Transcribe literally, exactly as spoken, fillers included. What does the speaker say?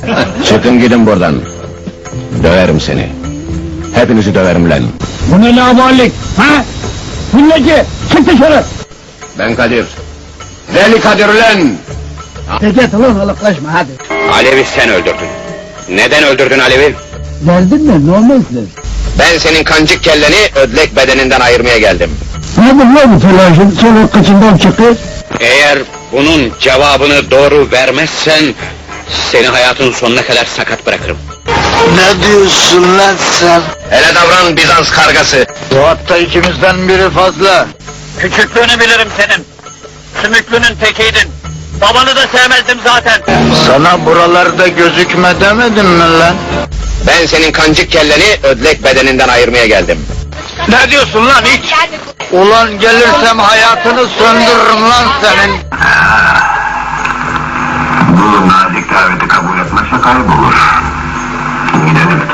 Çıkın gidin buradan. Döverim seni. Hepinizi döverim lan. Bu ne laballik, ha? Milleti, çık dışarı! Ben Kadir. Deli Kadir lan! Teket ulan alıklaşma hadi. Alev'i sen öldürdün. Neden öldürdün Alev'i? Derdin ne, ne olmazdır? Ben senin kancık kelleni ödlek bedeninden ayırmaya geldim. Nedir lan bu telaşın, sonra kıçından çıkıyor? Eğer bunun cevabını doğru vermezsen... ...seni hayatın sonuna kadar sakat bırakırım. Ne diyorsun lan sen? Hele davran Bizans kargası! Bu hatta ikimizden biri fazla. Küçüklüğünü bilirim senin. Sümüklünün tekiydin. Babanı da sevmezdim zaten. Sana buralarda gözükme demedim mi lan? Ben senin kancık kelleni ödlek bedeninden ayırmaya geldim. Ne diyorsun lan hiç? Ulan gelirsem hayatını söndürürüm lan senin. Bu nazik daveti kabul etmezse kaybolur. Gidelim.